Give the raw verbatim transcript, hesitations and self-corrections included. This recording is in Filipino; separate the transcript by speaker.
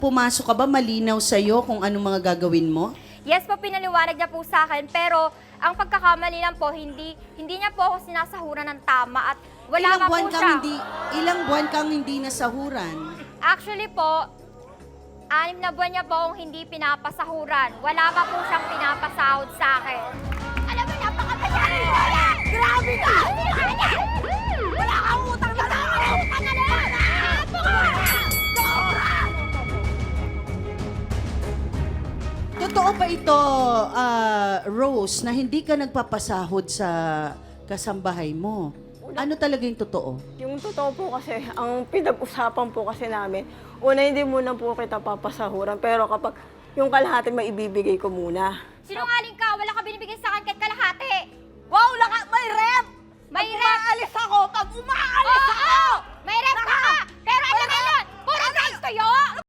Speaker 1: pumasok ka ba, malinaw sa'yo kung anong mga gagawin mo?
Speaker 2: Yes po, pinaliwanag niya po sa akin, pero ang pagkakamali lang po, hindi hindi niya po ako sinasahuran ng tama at wala
Speaker 1: ilang
Speaker 2: nga
Speaker 1: buwan
Speaker 2: po
Speaker 1: kang
Speaker 2: siya.
Speaker 1: hindi, ilang buwan kang hindi nasahuran?
Speaker 2: Actually po, anim na buwan niya po akong hindi pinapasahuran. Wala pa po siyang pinapasahod sa akin. Alam mo, napakatayari! Grabe ka! Wala kang utang na lang! Utang na lang!
Speaker 1: Totoo ba ito, ah, Rose, na hindi ka nagpapasahod sa kasambahay mo? Ano talaga yung totoo?
Speaker 3: Yung totoo po kasi, ang pinag-usapan po kasi namin, una hindi muna po kita papasahuran, pero kapag yung kalahati maibibigay ko muna.
Speaker 2: Sinungaling ka! Wala ka binibigay sa akin kahit kalahati!
Speaker 4: Wow, laka, may rep!
Speaker 2: May
Speaker 4: Pag
Speaker 2: rep!
Speaker 4: umaalis ako, pag umaalis
Speaker 2: Oo!
Speaker 4: ako!
Speaker 2: May rep ka! Pero alam mo yun! Puro rice to yun!